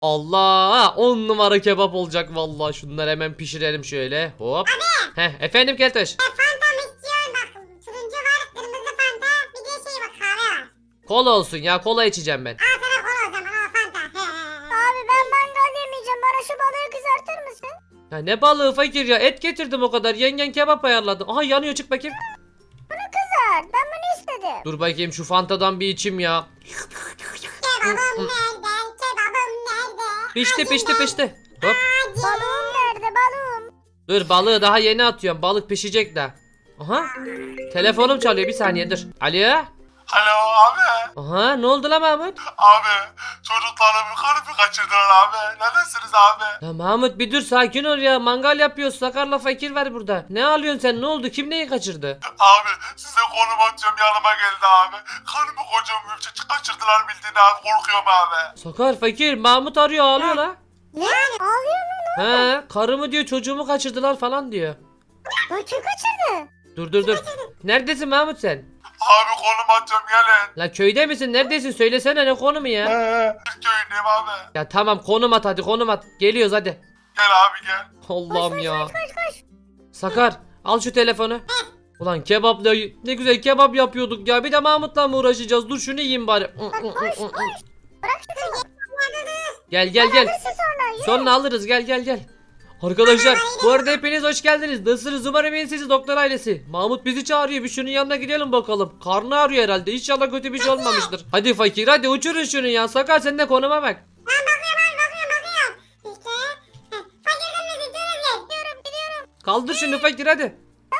Allah 10 numara kebap olacak vallahi. Şunları hemen pişirelim şöyle. Hop. Efendim Keltoş. Fanta mı istiyorsun? Bak turuncu var, kırmızı fanta, bir de şey bak kahve var. Kola olsun ya, kola içeceğim ben. Al sana kola o zaman, al fanta. Abi ben mangal yemeyeceğim. Bana şu balığı kızartır mısın? Ya ne balığı fakir ya, et getirdim o kadar. Yengen kebap ayarladı. Aha yanıyor, çık bakayım. Kızart. Ben bunu istedim. Dur bakayım şu fantadan bir içim ya. Kebabım nerede? Kebabım nerede? Pişti. Hop. Balığım nerede balığım? Dur, balığı daha yeni atıyorum. Balık pişecek de. Aha. Telefonum çalıyor, bir saniye dur. Alo. Alo abi. Aha, ne oldu lan Mahmut? Abi çocuklarımı karımı kaçırdılar abi. Neredesiniz abi? Ya Mahmut bir dur, sakin ol ya. Mangal yapıyoruz. Sakarla fakir var burada. Ne ağlıyorsun sen? Ne oldu? Kim neyi kaçırdı? Abi size konum atıyorum yanıma geldi abi. Karımı kocamı kaçırdılar bildiğin abi. Korkuyorum abi. Sakar fakir, Mahmut arıyor, ağlıyor la. Ne? Ağlıyor mu? He, karımı diyor, çocuğumu kaçırdılar falan diyor. Lan kim kaçırdı? Dur. Neredesin Mahmut sen? Abi konum atıyorum gelin. La köyde misin? Neredesin? Söylesene, ne konumu ya? Bir köyündeyim abi. Ya tamam, konum at hadi, konum at. Geliyoruz hadi. Gel abi gel. Allah'ım ya. Koş. Sakar al şu telefonu. Ulan kebapla ne güzel kebap yapıyorduk ya. Bir de Mahmut'la mı uğraşacağız? Dur şunu yiyeyim bari. Bırak şunu. Gel. Alırsın sonra. Yürü. Sonra alırız, gel. Arkadaşlar bu arada hepiniz hoş geldiniz. Nasılsınız? Umarım iyisiniz doktor ailesi. Mahmut bizi çağırıyor. Bir şunun yanına gidelim bakalım. Karnı ağrıyor herhalde. İnşallah kötü bir şey olmamıştır. Hadi fakir, hadi uçurun şunu ya. Sakar sen de konuma bak. Bakıyorum. İşte. Fakirden mi gidiyoruz? Gidiyorum. Kaldır şunu fakir hadi.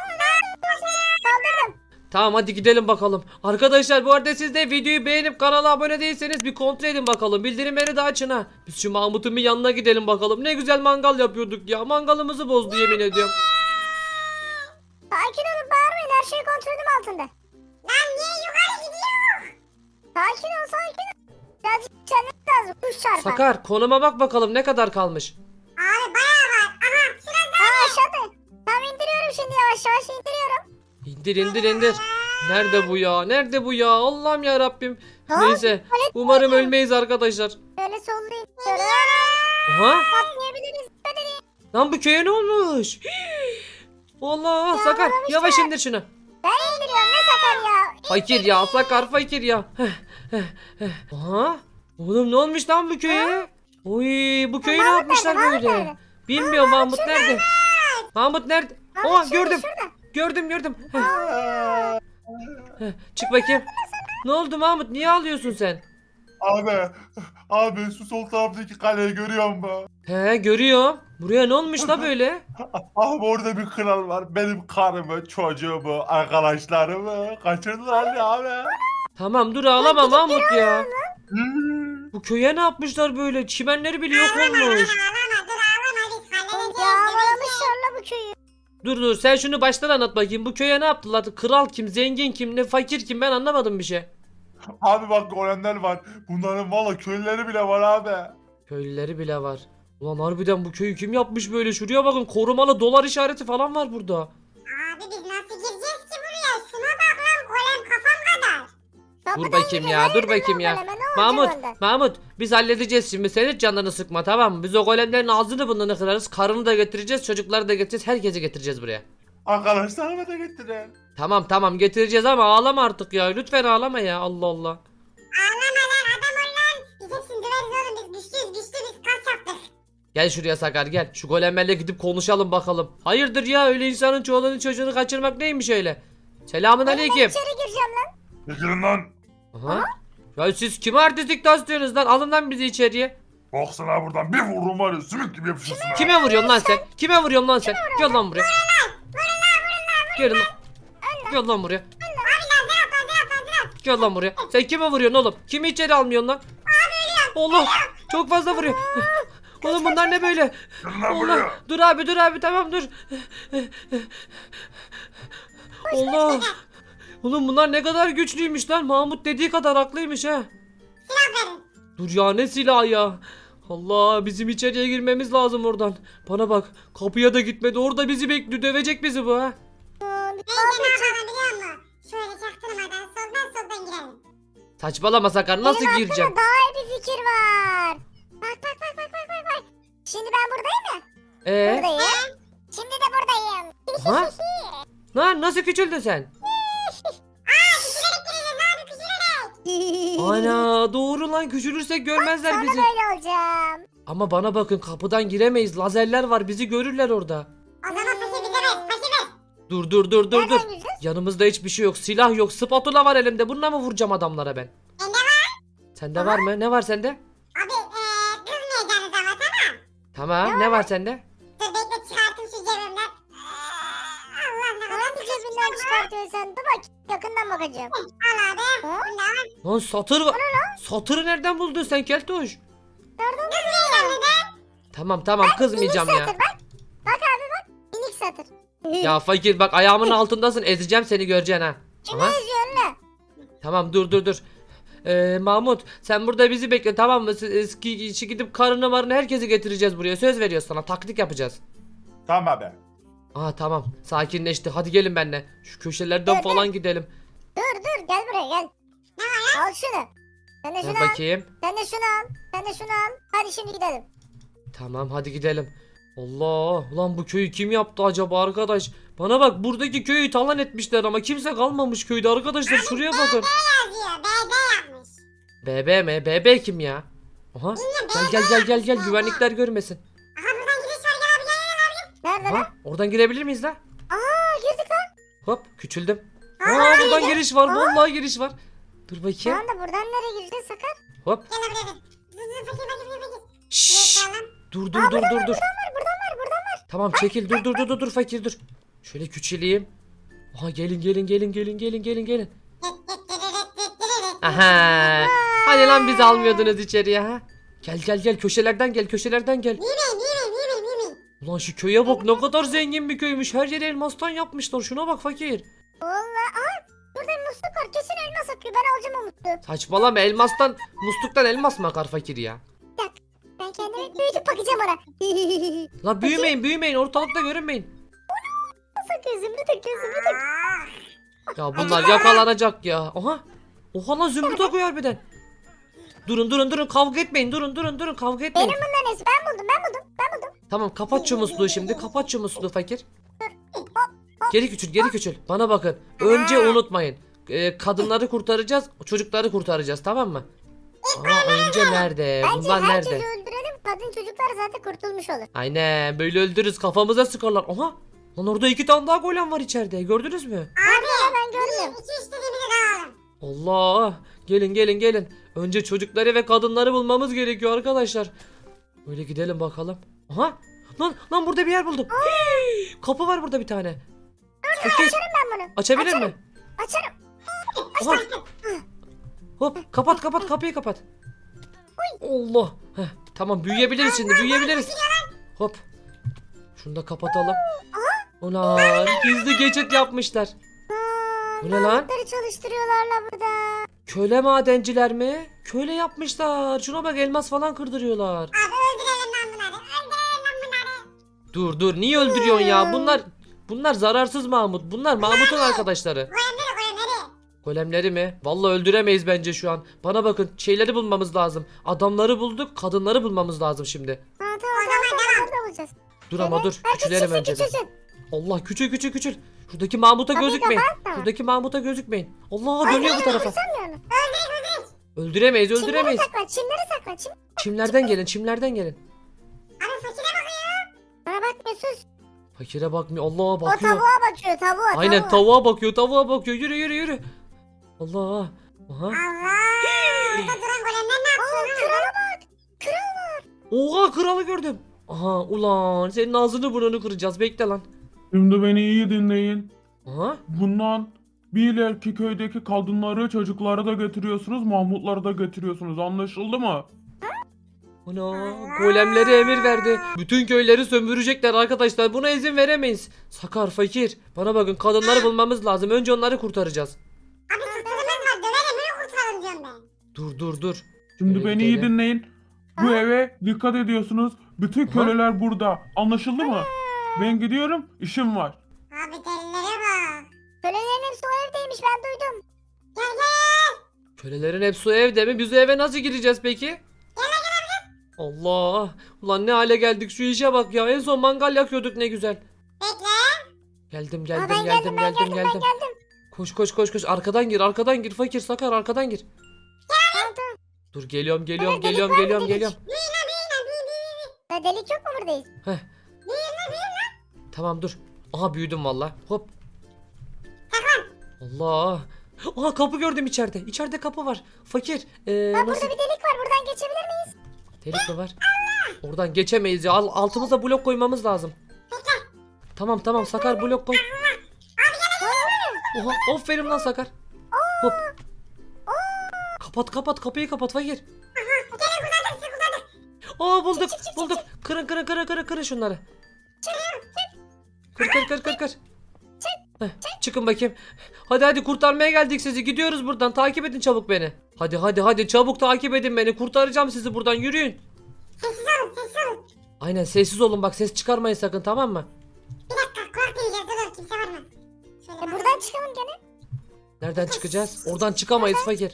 Kaldırdım. Tamam hadi gidelim bakalım. Arkadaşlar bu arada siz de videoyu beğenip kanala abone değilseniz bir kontrol edin bakalım. Bildirimleri de açın ha. Biz şu Mahmut'un bir yanına gidelim bakalım. Ne güzel mangal yapıyorduk ya. Mangalımızı bozdu yemin ediyorum. Sakin olun bağırmayın. Her şey kontrolüm altında. Lan niye yukarı gidiyor? Sakin ol. Birazcık içermek lazım. Kuş çarpar. Sakar konuma bak bakalım ne kadar kalmış. Abi bayağı var. Aha şurada. Aşağıda. Tamam indiriyorum şimdi yavaş indiriyorum. İndir. Nerede bu ya? Allah'ım ya Rabbim. Ha? Neyse. Umarım ölmeyiz arkadaşlar. Böyle sollayın. Böyle Aha. patlayabiliriz. Dikkat edin. Lan bu köye ne olmuş? Allah Sakar yavaş indir şunu. Ben indiriyorum ne sakar ya. Fakir ya, Sakar fakir ya. Aha. Oğlum ne olmuş lan bu köye? Oy, bu köyü ne Mahmut yapmışlar nerede, Mahmut böyle? nerede? Bilmiyorum Mahmut nerede? Mahmut nerede? Mahmut Oha şurada, gördüm. şurada. Gördüm. Çık bakayım. Ne oldu Mahmut? Niye ağlıyorsun sen? Abi şu sol taraftaki kaleyi görüyor musun? He görüyorum. Buraya ne olmuş la böyle? Abi orada bir kral var. Benim karımı, çocuğumu, arkadaşlarımı kaçırdılar ya abi. Tamam dur ağlama Mahmut ya. Hmm. Bu köye ne yapmışlar böyle? Çimenleri bile yok olmuş. Ağlama dur ağlama biz halledeceğiz. Ya bağlamışlar bu köyü. Dur sen şunu baştan anlat bakayım. Bu köye ne yaptılar? Kral kim? Zengin kim? Ne fakir kim? Ben anlamadım bir şey. Abi bak görenler var. Bunların valla köylüleri bile var abi. Köylüleri bile var. Ulan harbiden bu köyü kim yapmış böyle? Şuraya bakın, korumalı dolar işareti falan var burada. Abi biz nasıl gireceğiz ki buraya? Şuna bak lan golem kafam kadar. Dur bakayım ya, dur bakayım ya. Mahmut biz halledeceğiz şimdi. Sen hiç canını sıkma, tamam mı? Biz o golemlerin ağzını burnunu kırarız. Karını da getireceğiz, çocukları da getireceğiz. Herkesi getireceğiz buraya. Arkadaşlarımı da getirin. Tamam getireceğiz ama ağlama artık ya. Lütfen ağlama ya, Allah Allah. Ağlama lan adam ol lan. Biz hepsini döveriz oğlum biz güçlüyüz biz kas yaptık. Gel şuraya Sakar gel. Şu golemlerle gidip konuşalım bakalım. Hayırdır ya, öyle insanın çoluğunu çocuğunu kaçırmak neymiş öyle? Selamun Ben aleyküm. içeri gireceğim lan. Getirin lan. Aha. Ya siz kime artistik taslıyorsunuz lan? Alın lan bizi içeriye. Baksana buradan bir vururum var ya sümük gibi yapışırsın ha. Kime vuruyorsun lan sen? Kime vuruyorsun lan sen? Gel lan buraya. Gel lan. Gel lan buraya. Gel lan buraya. Sen kime vuruyorsun oğlum? Kimi içeri almıyorsun lan? Allah. Çok fazla vuruyor. Oğlum bunlar ne böyle? Gel lan buraya. Allah. Dur abi tamam dur. Allah. Oğlum bunlar ne kadar güçlüymüş lan. Mahmut dediği kadar haklıymış ha. Silah verin. Dur ya, ne silahı ya. Allah, bizim içeriye girmemiz lazım oradan. Bana bak, kapıya da gitmedi, orada bizi bekliyor, dövecek bizi bu ha. Neyse ne yapalım biliyor musun? Şöyle çaktırmadan soldan girelim. Saçmalama Sakar, nasıl Benim gireceğim? aklımda daha iyi bir fikir var. Bak. Şimdi ben buradayım ya. Ee? Buradayım. Şimdi de buradayım. Ha? Lan nasıl küçüldün sen? Küçülerek gireceğiz abi küçülerek. Ana doğru lan, küçülürsek görmezler Sonra bizi. böyle olacağım. Ama bana bakın, kapıdan giremeyiz. Lazerler var, bizi görürler orada. O zaman fakir bize ver. Fakir ver. Dur. Nereden gireceğiz? Yanımızda hiçbir şey yok. Silah yok. Spatula var elimde. Bununla mı vuracağım adamlara ben? Bende var. Sende var mı? Ne var sende? Abi kızmayacaksınız ama tamam. Tamam. Ne var sende? Dur bekle çıkartayım şu cebimden. Allah ne kadar Hangi cebinden çıkartıyorsun sen? Dur bak. Yakından bakacağım. Al abi. Ha? Bunda var. Lan satır var. Satırı nereden buldun sen Keltoş? Nereden Kızmayacağım neden? Tamam kızmayacağım Minik ya. satır bak. Bak abi bak. Minik satır. Ya fakir bak, ayağımın altındasın. Ezeceğim seni, göreceksin ha. Kimi Aha. eziyorsun lan? Tamam dur. Mahmut sen burada bizi bekle, tamam mı? Eski gidip karını marını herkesi getireceğiz buraya. Söz veriyoruz sana. Taktik yapacağız. Tamam abi. Aa tamam, sakinleşti. Hadi gelin benimle. Şu köşelerden Dur, falan gidelim. Dur gel buraya gel. Ne var Al şunu. Sen de şunu Ver al. bakayım. Sen de şunu al. Sen de şunu al. Hadi şimdi gidelim. Tamam hadi gidelim. Allah, ulan bu köyü kim yaptı acaba arkadaş? Bana bak, buradaki köyü talan etmişler ama kimse kalmamış köyde arkadaşlar, şuraya bakın. yazıyor? BB yapmış. BB mi? BB kim ya? Aha. Gel güvenlikler görmesin. Aha buradan giriş var gel abi gel. Nerede lan? Ha, oradan girebilir miyiz la? Aa girdik lan. Hop küçüldüm. Aa buradan giriş var, vallahi giriş var. Dur bakayım. Tamam da buradan nereye gireceğiz Sakar? Hop. Gel abi gel. Dur fakir. Şşş. Bakalım. Dur. Buradan var. Tamam çekil, dur fakir dur. Şöyle küçüleyim. Aha gelin. Aha. Hani lan bizi almıyordunuz içeriye ha? Gel köşelerden gel. Yemeyin. Ulan şu köye bak, ne kadar zengin bir köymüş. Her yeri elmastan yapmışlar. Şuna bak fakir. Valla burada bir musluk var. Kesin elmas akıyor. Ben alacağım o musluğu. Saçmalama, musluktan elmas mı akar fakir ya? Ben kendime büyütüp bakacağım ona. La büyümeyin, ortalıkta görünmeyin. Nasıl akıyor? Zümrüt akıyor. Ya bunlar yakalanacak ya. Oha lan, zümrüt akıyor harbiden. Durun kavga etmeyin. Durun kavga etmeyin. Benim bunların nesi? Ben buldum. Tamam kapat şu musluğu şimdi. Kapat şu musluğu fakir. Geri küçül. Bana bakın. Önce unutmayın. Kadınları kurtaracağız. Çocukları kurtaracağız, tamam mı? Ama önce nerede? Bence Bunlar herkesi nerede? öldürelim. Kadın çocuklar zaten kurtulmuş olur. Aynen böyle öldürürüz. Kafamıza sıkarlar. Aha. Lan orada 2 tane daha golem var içeride. Gördünüz mü? Ben görmüyorum. İki istediğimizi dağılalım. Allah. Gelin. Önce çocukları ve kadınları bulmamız gerekiyor arkadaşlar. Böyle gidelim bakalım. Aha. Lan burada bir yer buldum. Hii, kapı var burada bir tane. Fakir, Ben bunu. açabilir mi? Açarım. Aha. Hop kapat kapıyı kapat. Allah. Heh, tamam büyüyebiliriz şimdi, Hop. Şunu da kapatalım. Ulan gizli geçit yapmışlar. Bu ne lan? Mahmutları çalıştırıyorlar la burada. Köle madenciler mi? Köle yapmışlar. Şuna bak, elmas falan kırdırıyorlar. Abi öldürelim lan bunları. Dur niye öldürüyorsun ya? Bunlar zararsız Mahmut. Bunlar Mahmut'un arkadaşları. Koyunları. Golemleri mi? Vallahi öldüremeyiz bence şu an. Bana bakın, şeyleri bulmamız lazım. Adamları bulduk, kadınları bulmamız lazım şimdi. Tamam. Orada bulacağız. Dur ama dur. Herkes Küçülelim önce. küçülsün. Allah küçül. Şuradaki Mahmut'a Kapıyı gözükmeyin. kapat da. Şuradaki Mahmut'a gözükmeyin. Allah dönüyor bu tarafa. Sanmıyor musun? Öldüremeyiz. Çimleri sakla. Çimlerden gelin. Abi fakire bakıyor. Bana bakmıyor sus. Fakire bakmıyor. Allah O bakıyor. tavuğa bakıyor tavuğa. Aynen tavuğa bakıyor. Yürü. Allah. Aha. Allah. Burada duran golemler ne yapıyor? Krala bak. Kral. Oha, kralı gördüm. Aha ulan, senin ağzını burnunu kıracağız. Bekle lan. Şimdi beni iyi dinleyin. Aha. Bundan bir ileriki köydeki kadınları, çocukları da getiriyorsunuz, Mahmutları da getiriyorsunuz. Anlaşıldı mı? Ana, golemleri emir verdi. Bütün köyleri sömürecekler arkadaşlar. Buna izin veremeyiz. Sakar, fakir. Bana bakın, kadınları bulmamız lazım. Önce onları kurtaracağız. Abi sırtımız var dövelim öyle kurtaralım diyorum ben. Dur. Şimdi Öyle beni iyi gidelim. dinleyin. Bu eve dikkat ediyorsunuz. Bütün Aha. köleler burada. Anlaşıldı mı? Ben gidiyorum, işim var. Abi delilere bak. Kölelerin hepsi o evdeymiş ben duydum. Gel. Kölelerin hepsi o evde mi? Biz o eve nasıl gireceğiz peki? Allah. Ulan ne hale geldik, şu işe bak ya. En son mangal yakıyorduk ne güzel. Bekle. Geldim Aa, geldim ben geldim geldim. geldim. Koş koş koş koş. Arkadan gir Fakir Sakar, arkadan gir. Tamam tamam. Dur geliyorum Evet, delik var mı, geliyorum. delik? Ya delik yok mu buradayız? Tamam dur. Aha büyüdüm valla. Hop. Allah. Aha kapı gördüm içeride. İçeride kapı var. Fakir. Ha, burada Nasıl? bir delik var. Buradan geçebilir miyiz? Delik mi var? Oradan geçemeyiz ya. Altımıza blok koymamız lazım. Tamam Sakar blok koy. Oha aferin lan Sakar. Hop. Kapat kapıyı kapat Fakir. Aa bulduk. Kırın şunları. Kır. Heh, çıkın bakayım. Hadi kurtarmaya geldik sizi. Gidiyoruz buradan. Takip edin çabuk beni. Hadi çabuk takip edin beni. Kurtaracağım sizi buradan. Yürüyün. Sessiz olun. Aynen sessiz olun bak, ses çıkarmayın sakın, tamam mı? Bir dakika kulak dinleyeceğiz. Dur kimse var mı? Şöyle Buradan çıkalım gene. Nereden çıkacağız? Oradan çıkamayız Fakir.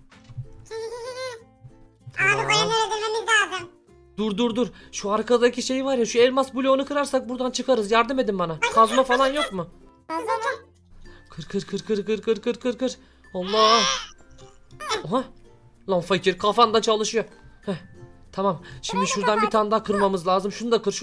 Abi golemleri öldürmemiz lazım. Dur. Şu arkadaki şey var ya, şu elmas bloğunu kırarsak buradan çıkarız. Yardım edin bana. Kazma falan yok mu? Fazla mı? Kır. Allah. Oha. Lan Fakir kafan da çalışıyor. Heh. Tamam. Şimdi şuradan bir tane daha kırmamız lazım. Şunu da kır.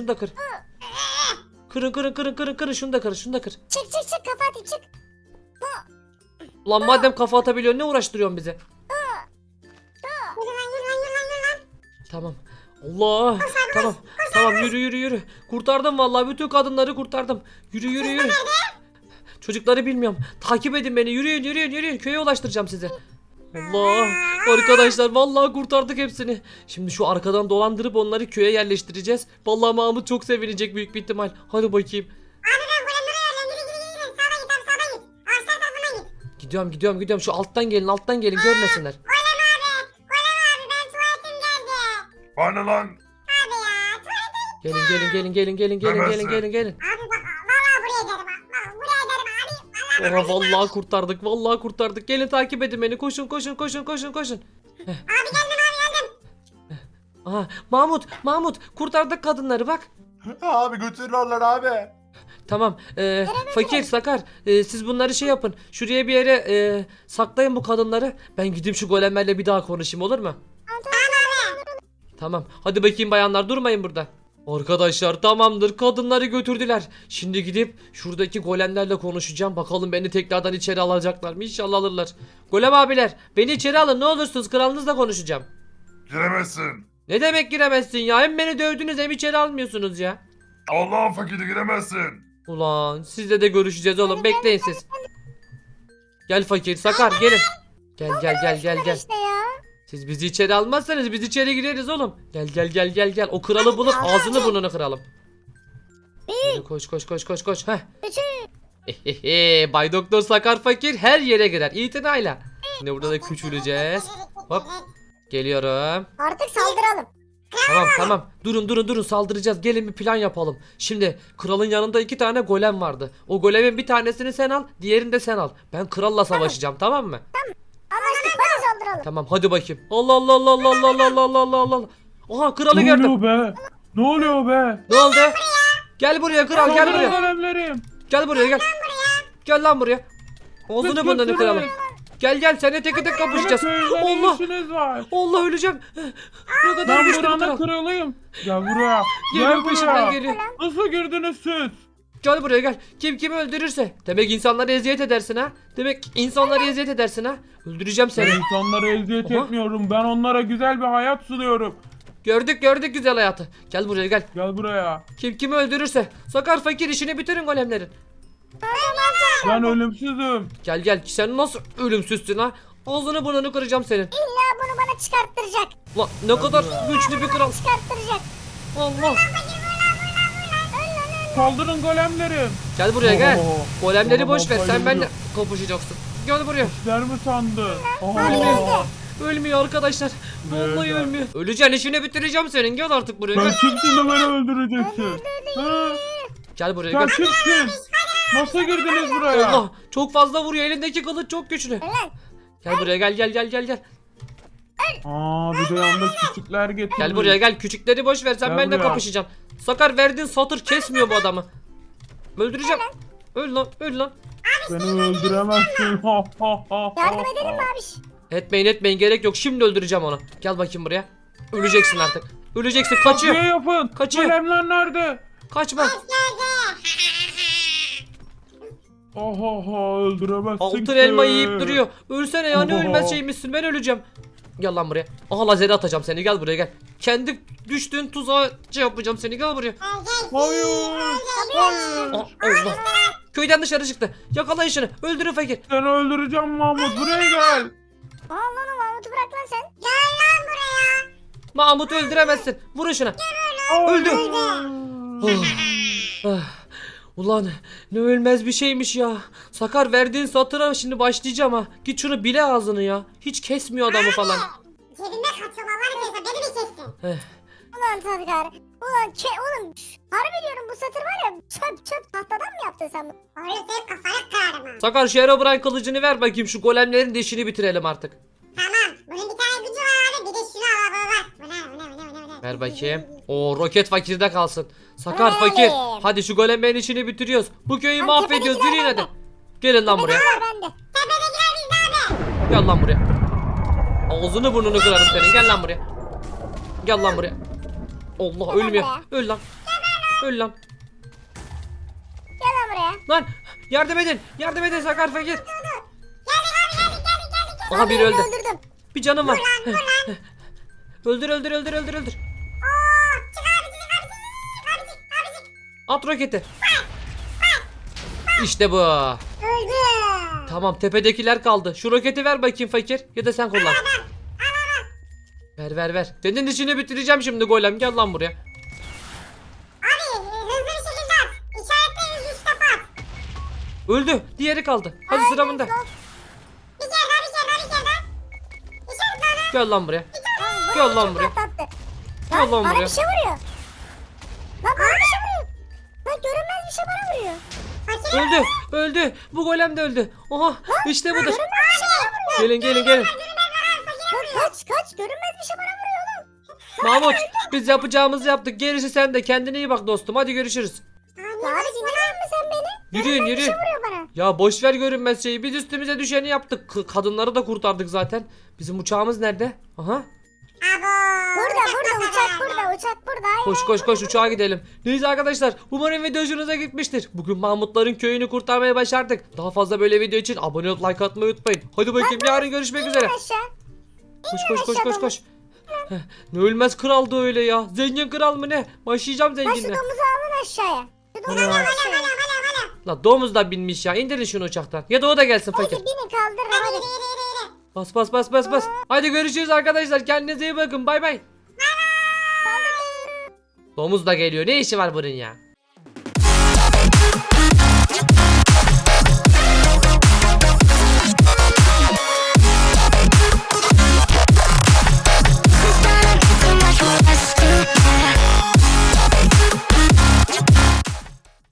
Kırın. Şunu da kır. Çık kafa atayım çık. Lan madem kafa atabiliyorsun ne uğraştırıyorsun bizi? Yürü lan. Tamam. Allah. Tamam yürü. Kurtardım vallahi, bütün kadınları kurtardım. Yürü. Çocukları bilmiyorum. Takip edin beni. Yürüyün. Köye ulaştıracağım sizi. Allah. Arkadaşlar vallahi kurtardık hepsini. Şimdi şu arkadan dolandırıp onları köye yerleştireceğiz. Vallahi Mahmut çok sevinecek büyük bir ihtimal. Hadi bakayım. Abi ben golemleri ayarlayayım. Yürü. Sağdan git. Ağaçlar tarafından git. Gidiyorum. Şu alttan gelin görmesinler. Golem abi ben tuvaletim geldi. Bana lan. Abi ya tuvalete. Gelin. Abi bak valla buraya ederim. Bak buraya ederim abi. Oha vallahi kurtardık. Gelin takip edin beni. Koşun. Abi geldim. Aha Mahmut kurtardık kadınları bak. Abi götürüyorlar abi. Tamam. Fakir Sakar siz bunları şey yapın. Şuraya bir yere saklayın bu kadınları. Ben gideyim şu golemlerle bir daha konuşayım, olur mu? Tamam. Hadi bakayım bayanlar, durmayın burada. Arkadaşlar tamamdır, kadınları götürdüler. Şimdi gidip şuradaki golemlerle konuşacağım. Bakalım beni tekrardan içeri alacaklar mı? İnşallah alırlar. Golem abiler beni içeri alın ne olursunuz, kralınızla konuşacağım. Giremezsin. Ne demek giremezsin ya? Hem beni dövdünüz hem içeri almıyorsunuz ya. Allah'ın fakiri giremezsin. Ulan sizle de görüşeceğiz oğlum, bekleyin siz. Gel Fakir Sakar gelin. Gel. İşte ya. Siz bizi içeri almazsanız biz içeri gireriz oğlum. Gel. O kralı bulup ağzını burnunu kıralım. Hadi koş. Heh. Bay Doktor Sakar Fakir her yere girer. İtinayla. Şimdi burada da küçüleceğiz. Hop. Geliyorum. Artık saldıralım. Tamam. Durun saldıracağız. Gelin bir plan yapalım. Şimdi kralın yanında 2 tane golem vardı. O golemin bir tanesini sen al, diğerini de sen al. Ben kralla savaşacağım, tamam mı? Anlaştık, hadi saldıralım. Tamam hadi bakayım. Allah. Oha kralı gördüm. Ne oluyor be? Ne oldu? Gel buraya kral, gel buraya. Golemlerim. Gel buraya. Gel lan buraya. Ağzını burnunu Götürün. kıralım. Gel seninle tek kapışacağız. Köyden Allah. işiniz var. Allah öleceğim. Ne kadar Ben güçlü bir buranın kral. kralıyım. Gel buraya. Geliyor peşimden geliyor. Nasıl girdiniz siz? Gel buraya gel. Kim kimi öldürürse. Demek insanlara eziyet edersin ha. Öldüreceğim seni. İnsanlara eziyet Aha. etmiyorum. Ben onlara güzel bir hayat sunuyorum. Gördük güzel hayatı. Gel buraya gel. Gel buraya. Kim kimi öldürürse. Sakar Fakir işini bitirin golemlerin. Ben ölümsüzüm. Gel. Sen nasıl ölümsüzsün ha? Ağzını burnunu kıracağım senin. İlla bunu bana çıkarttıracak. Lan ne kadar güçlü bir kral. Çıkarttıracak. Allah. Saldırın golemlerim. Gel buraya gel. Oo. Golemleri Oha, boş ver. Sen bayılıyorum. benimle kapışacaksın. Gel buraya. İşler mi sandın? Ölmüyor arkadaşlar. Vallahi Nerede? ölmüyor. Öleceksin, işini bitireceğim senin. Gel artık buraya Sen gel. kimsin de beni öldüreceksin? Ha? Gel buraya Sen gel. kimsin? Nasıl girdiniz buraya? Allah çok fazla vuruyor. Elindeki kılıç çok güçlü. Lan. Gel buraya gel. Aa bir de yanında küçükler getirmiş. Gel buraya gel, küçükleri boş ver, sen Gel benimle buraya. kapışacaksın. Sakar, verdiğin satır kesmiyor bu adamı. Öldüreceğim. Öl lan, öl lan. Beni öldüremezsin. Ha ha ha. Yardım edelim mi abiş? Etmeyin, gerek yok, şimdi öldüreceğim onu. Gel bakayım buraya. Öleceksin artık. Öleceksin, kaçıyor. Ne yapın? Kaçıyor. Golemler nerede? Kaçma. Ha ha ha öldüremezsin Altın ki. elma yiyip duruyor. Ölsene ya, ne Oho. ölmez şeymişsin, ben öleceğim. Gel lan buraya. Aha, lazeri atacağım seni, gel buraya gel. Kendi düştüğün tuzağa şey yapacağım seni, gel buraya. Hayır. Aa, Allah. Köyden dışarı çıktı. Yakalayın şunu. Öldürün fakir. Seni öldüreceğim Mahmut. Buraya gel. Aa lan o Mahmut'u bırak lan sen. Mahmut'u öldüremezsin. Vurun şuna. Öldü. Oh. Ah. Ulan ne ölmez bir şeymiş ya. Sakar, verdiğin satıra şimdi başlayacağım ha. Git şunu bile ağzını ya. Hiç kesmiyor adamı falan. Cebimde kaçıyorum Allah'ını seversen beni bir kessin. Ulan Sakar. Ulan oğlum harbi diyorum bu satır var ya çöp tahtadan mı yaptın sen bunu? Oğlum senin kafanı kırarım ha. Sakar, şu Herobrine kılıcını ver bakayım, şu golemlerin de işini bitirelim artık. Tamam. Bunun bir tane gücü var abi. Bir de şunu al baba. Bu ne? Ver bakayım. O roket fakirde kalsın. Sakar, Ver fakir. alayım. Hadi şu golemlerin işini bitiriyoruz. Bu köyü Lan mahvediyoruz. tepedekiler Yürüyün hadi. bende. Gelin lan buraya. Var bende. Tepedekiler bizde abi. Gel lan buraya. Ağzını burnunu kırarım senin. Gel lan buraya. Gel lan buraya. Allah, Gel lan ölmüyor. buraya. Öl lan. Öl lan. Gel lan buraya. Lan yardım edin. Yardım edin Sakar fakir. Geldik. Aha, biri öldü. Öldürdüm. Bir canım var. Öldür. At roketi. İşte bu. Öldü. Tamam, tepedekiler kaldı. Şu roketi ver bakayım fakir. Ya da sen kullan. Ver. Senin işini bitireceğim şimdi golem. Gel lan buraya. Abi hızlı bir şekilde at. İşaretle üst tapa at. Öldü. Diğeri kaldı. Hadi sıra bunda. Bir kere daha. İşaretle onu. Gel lan buraya. Lan, Gel lan çok buraya. patlattı. Gel lan Bana buraya. bir şey vuruyor. Lan bana bir şey vuruyor. Lan görünmez bir şey bana vuruyor. Öldü. Bu golem de öldü. Oha, işte budur. Görünmez bir şey bana vuruyor. Gelin. Lan kaç görünmez bir şey bana vuruyor oğlum. Mahmut, biz yapacağımızı yaptık. Gerisi sen de. Kendine iyi bak dostum. Hadi görüşürüz. Ya abi dinlemez mi sen beni? Yürüyün, Görünmez bir yürüyün. şey vuruyor bana. Ya boş ver görünmez şeyi. Biz üstümüze düşeni yaptık. Kadınları da kurtardık zaten. Bizim uçağımız nerede? Aha. Burada uçak burada. Hayır. Koş uçağa gidelim. Neyse arkadaşlar, umarım video hoşunuza gitmiştir. Bugün Mahmutların köyünü kurtarmaya başardık. Daha fazla böyle video için abone olup like atmayı unutmayın. Hadi bakayım, yarın görüşmek üzere. Aşağı. Koş. Heh, ne ölmez kraldı öyle ya. Zengin kral mı ne? Başlayacağım Lan şu zenginle. domuzu alın aşağıya. Şu domuzu alın aşağıya. La domuz da binmiş ya. İndirin şunu uçaktan. Ya da o da gelsin fakir. Hadi binin kaldırın hadi. Bas. Hadi görüşürüz arkadaşlar. Kendinize iyi bakın. Bay bay. Domuz da geliyor. Ne işi var bunun ya?